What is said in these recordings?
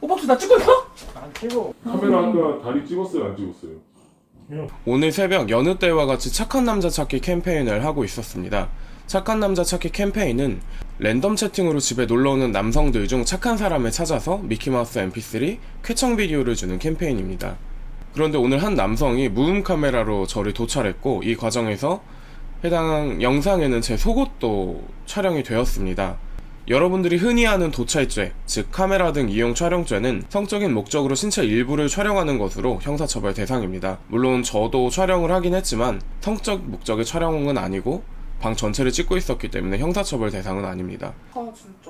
오빠 혹시 나 찍고 있어? 안 찍어. 카메라 아까 다리 찍었어요, 안 찍었어요? 오늘 새벽 여느 때와 같이 착한 남자 찾기 캠페인을 하고 있었습니다. 착한 남자 찾기 캠페인은 랜덤 채팅으로 집에 놀러오는 남성들 중 착한 사람을 찾아서 미키마우스 mp3 쾌청 비디오를 주는 캠페인입니다. 그런데 오늘 한 남성이 무음 카메라로 저를 도찰했고, 이 과정에서 해당 영상에는 제 속옷도 촬영이 되었습니다. 여러분들이 흔히 아는 도찰죄, 즉 카메라 등 이용 촬영죄는 성적인 목적으로 신체 일부를 촬영하는 것으로 형사처벌 대상입니다. 물론 저도 촬영을 하긴 했지만 성적 목적의 촬영은 아니고 방 전체를 찍고 있었기 때문에 형사처벌 대상은 아닙니다. 아 진짜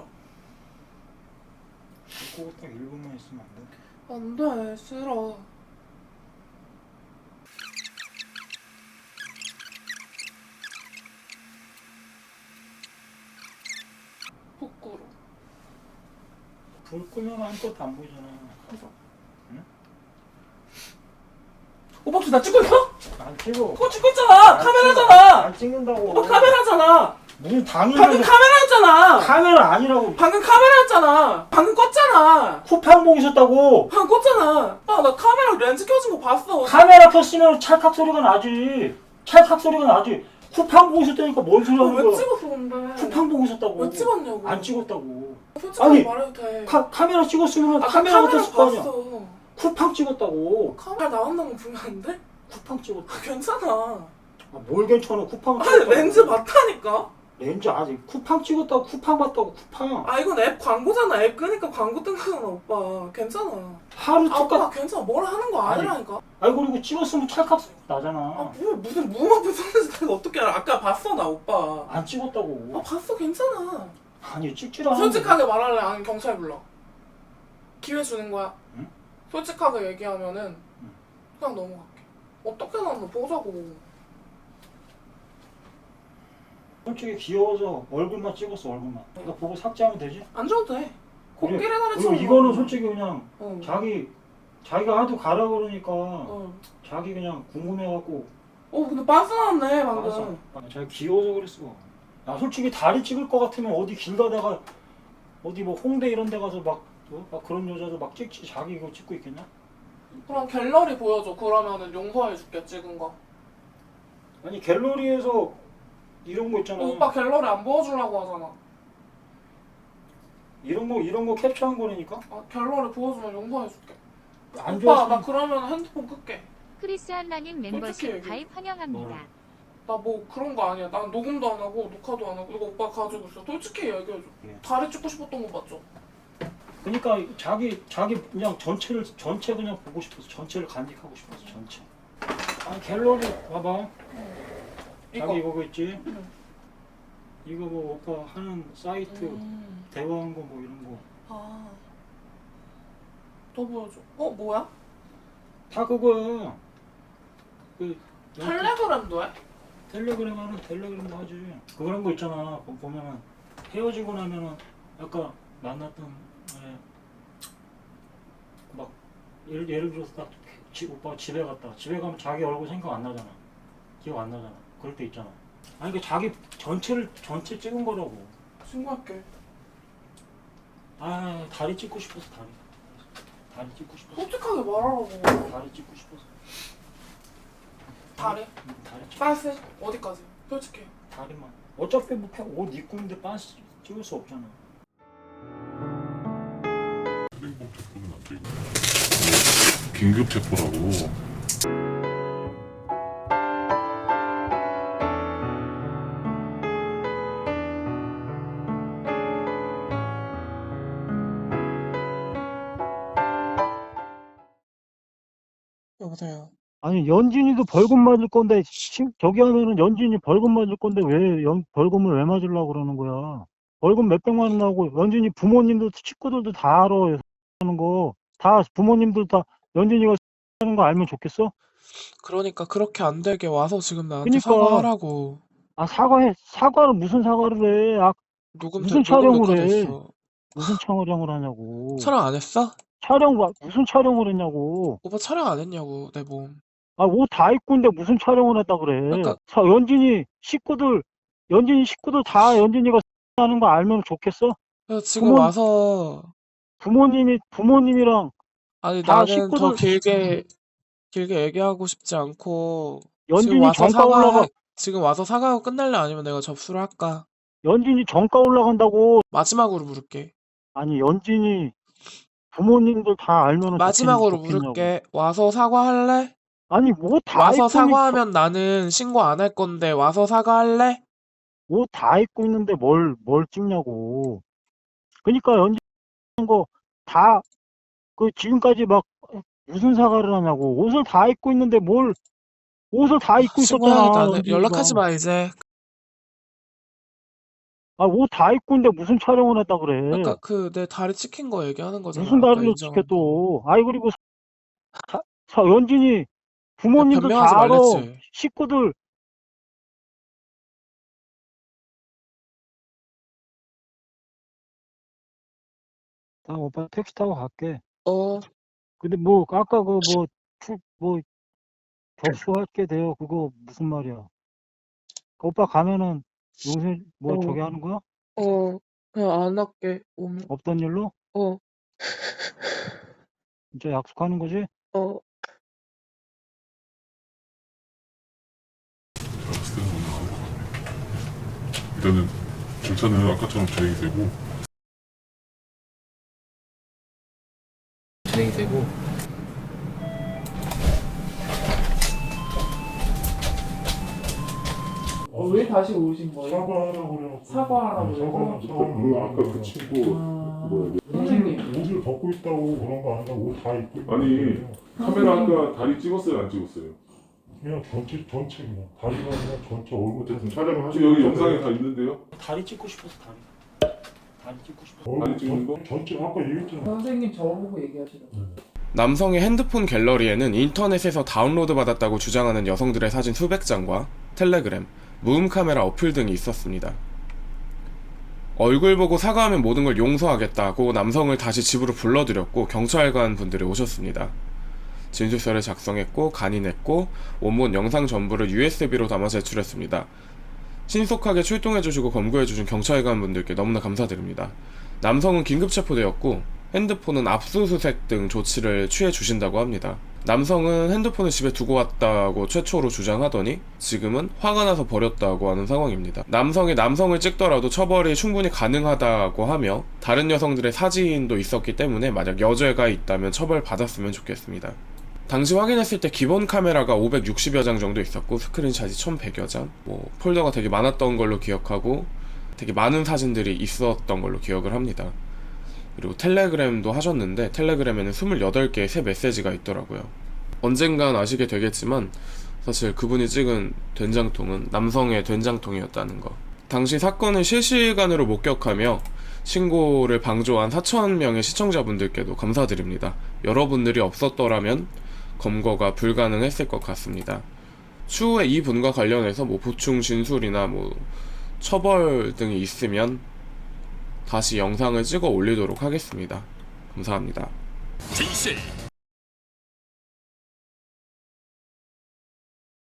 그거 딱 1분만 있으면 안 돼? 안돼 싫어. 부끄러. 불 끄면 아무것도 안 보이잖아. 오빠 혹시 나 찍고 있어? 안 찍어. 그거 찍고 있잖아. 카메라잖아. 안 찍는다고. 오빠 카메라잖아. 무슨 방금 당연히 카메라였잖아. 카메라 아니라고. 방금 카메라였잖아. 방금 껐잖아. 쿠팡 보고 있었다고. 방금 껐잖아. 아, 나 카메라 렌즈 켜진 거 봤어. 카메라 켰으면 찰칵 소리가 나지. 찰칵 소리가 나지. 쿠팡 보고 있었다니까 뭔 소리 하는 왜 거야. 찍었어 근데? 쿠팡 보고 있었다고. 왜 찍었냐고. 안 찍었다고. 솔직하게 아니, 말해도 돼. 카메라 찍었으면 아까 카메라 카메라 같았을 거 아니야. 봤어. 쿠팡 찍었다고. 카메라 나온다는 거 보면 안 돼? 쿠팡 찍었다. 아, 괜찮아. 아, 뭘 괜찮아. 쿠팡 아 찍었다고. 렌즈 봤다니까? 렌즈 아직 쿠팡 찍었다고. 쿠팡 봤다고. 쿠팡. 아 이건 앱 광고잖아. 앱 끄니까 광고 뜬 거잖아 오빠. 괜찮아. 하루 아 똑같. 오빠 괜찮아. 뭘 하는 거 아니, 아니라니까. 아이고 그리고 찍었으면 찰칵 소리 나잖아. 아 뭐, 무슨 무음 앞에 섰는지 내가 어떻게 알아. 아까 봤어 나 오빠. 안 찍었다고. 아 봤어 괜찮아. 아니 찍지도 않았는데. 솔직하게 말할래? 아니 경찰 불러. 기회 주는 거야. 응? 솔직하게 얘기하면은 응. 그냥 넘어갈게. 어떻게 나왔나 보자고. 솔직히 귀여워서 얼굴만 찍었어. 얼굴만. 이거 보고 삭제하면 되지? 안 줘도 돼. 코끼리 그리고 다리처럼. 이거는 솔직히 그냥 어. 자기가 하도 가라 그러니까 어. 자기 그냥 궁금해갖고. 어 근데 빤스 나왔네 방금. 맞아. 자기 귀여워서 그랬어. 나 솔직히 다리 찍을 것 같으면 어디 길 가다가 어디 뭐 홍대 이런 데 가서 막 그런 여자도 막 찍지. 자기 이거 찍고 있겠냐? 그럼 갤러리 보여줘. 그러면은 용서해줄게 찍은 거. 아니 갤러리에서 이런 거 있잖아. 오빠 갤러리 안 보여주려고 하잖아. 이런 거 캡처한 거라니까? 아, 갤러리 보여주면 용서해줄게. 안 오빠 좋아서. 나 그러면 핸드폰 끌게. 크리스 한라님 솔직히 멤버십 얘기해. 가입 환영합니다. 나 뭐 그런 거 아니야. 난 녹음도 안 하고 녹화도 안 하고 이거 오빠 가지고 있어. 솔직히 얘기해줘. 예. 다리 찍고 싶었던 거 맞죠? 그러니까 자기 그냥 전체 그냥 보고 싶어서 전체를 간직하고 싶어서 전체. 아니 갤러리 봐봐. 이거. 자기 이거 있지? 응. 이거 뭐 오빠 하는 사이트 대화한 거 뭐 이런 거. 아. 더 보여줘. 어 뭐야? 다 그거야. 그 텔레그램도 해? 텔레그램 하는 텔레그램도 하지. 그런 거 있잖아. 보면은 헤어지고 나면은 아까 만났던 막 예를 들어서 딱 오빠가 집에 갔다. 집에 가면 자기 얼굴 생각 안 나잖아. 기억 안 나잖아. 그럴 때 있잖아. 아니 그 자기 전체 찍은 거라고. 신고할게. 아 다리 찍고 싶어서 다리 찍고 싶어서 솔직하게 말하라고. 다리 찍고 싶어서 다리? 다리 찍 빤스 어디까지? 솔직히. 다리만. 어차피 뭐 옷 입고 있는데 빤스 찍을 수 없잖아. 긴급 체포라고. 여보세요. 아니 연진이도 벌금 맞을 건데 저기 하면은 연진이 벌금 맞을 건데 왜 벌금을 왜 맞으려고 그러는 거야? 벌금 몇백만 원 나오고 연진이 부모님도 친구들도 다 알아. 하는 거 다 부모님들 다 연진이가 하는 거 알면 좋겠어? 그러니까 그렇게 안 되게 와서 지금 나한테 그러니까. 사과하라고. 아 사과를 무슨 사과를 해? 아 녹음 무슨 녹음 촬영을 녹화돼 해? 있어. 무슨 촬영을 하냐고. 촬영 안 했어? 무슨 촬영을 했냐고. 오빠 촬영 안 했냐고 내 몸. 아 옷 다 입고 있는데 무슨 촬영을 했다 그래. 그러니까- 연진이 식구들 다 연진이가 하는 거 알면 좋겠어? 그래서 지금 부모- 와서 부모님이랑 아니 다 나는 더 식구들 길게 얘기하고 싶지 않고 연준이 정가 올라가 지금 와서 사과하고 끝날래 아니면 내가 접수를 할까? 연준이 정가 올라간다고. 마지막으로 물을게. 아니 연준이 부모님들 다 알면은 마지막으로 좋겠냐고. 물을게. 와서 사과할래? 아니 뭐 다 와서 입고 사과하면 나는 신고 안 할 건데 와서 사과할래? 뭐 다 입고 있는데 뭘 찍냐고. 그러니까 연준 거 다 그 지금까지 막 무슨 사과를 하냐고. 옷을 다 입고 있는데 뭘 옷을 다 입고 신고해야겠다. 있었잖아. 안 해. 연락하지 마 이제. 옷 다 입고 있는데 무슨 촬영을 했다 그래. 아까 그 내 다리 찍힌 거 얘기하는 거잖아. 무슨 아까 다리를 인정한 지켜 또. 아이 그리고 연준이 거. 부모님들 변명하지 다 알아. 말랬지. 식구들 나 오빠 택시 타고 갈게. 어, 근데 뭐 아까 그 뭐 접수할 게 돼요. 그거 무슨 말이야? 오빠 가면은 용서 뭐 어. 저기 하는 거야? 그냥 안 할게. 없던 일로? 진짜 약속하는 거지? 제가 봤을 때는 오늘 나올 것 같아요. 일단은 절차는 아까처럼 진행이 되고 왜 다시 오신 거예요? 사과하라고 그래갖고 사과하라고 그래서? 아까 그 친구 선생님. 옷을 벗고 있다고 그런 거 아니라 옷 다 입고 있고 아니 카메라 아까 다리 찍었어요 안 찍었어요? 그냥 전체 그냥 다리가 그냥 전체 얼굴 어쨌든 촬영을 하시고 여기 영상에 다 있는데요? 다리 찍고 싶어서 다리 찍고 싶어. 다리 찍는 거? 전체 아까 얘기했잖아. 선생님 저보고 얘기하시라고. 남성의 핸드폰 갤러리에는 인터넷에서 다운로드 받았다고 주장하는 여성들의 사진 수백 장과 텔레그램, 무음 카메라 어플 등이 있었습니다. 얼굴 보고 사과하면 모든 걸 용서하겠다고 남성을 다시 집으로 불러들였고 경찰관 분들이 오셨습니다. 진술서를 작성했고 간인했고 원본 영상 전부를 USB로 담아 제출했습니다. 신속하게 출동해주시고 검거해주신 경찰관 분들께 너무나 감사드립니다. 남성은 긴급 체포되었고 핸드폰은 압수수색 등 조치를 취해주신다고 합니다. 남성은 핸드폰을 집에 두고 왔다고 최초로 주장하더니 지금은 화가 나서 버렸다고 하는 상황입니다. 남성이 남성을 찍더라도 처벌이 충분히 가능하다고 하며 다른 여성들의 사진도 있었기 때문에 만약 여죄가 있다면 처벌받았으면 좋겠습니다. 당시 확인했을 때 기본 카메라가 560여 장 정도 있었고 스크린샷이 1100여 장, 폴더가 되게 많았던 걸로 기억하고 되게 많은 사진들이 있었던 걸로 기억을 합니다. 그리고 텔레그램도 하셨는데 텔레그램에는 28개의 새 메시지가 있더라고요. 언젠간 아시게 되겠지만 사실 그분이 찍은 된장통은 남성의 된장통이었다는 거. 당시 사건을 실시간으로 목격하며 신고를 방조한 4,000명의 시청자분들께도 감사드립니다. 여러분들이 없었더라면 검거가 불가능했을 것 같습니다. 추후에 이 분과 관련해서 보충 진술이나 처벌 등이 있으면 다시 영상을 찍어 올리도록 하겠습니다. 감사합니다. 진실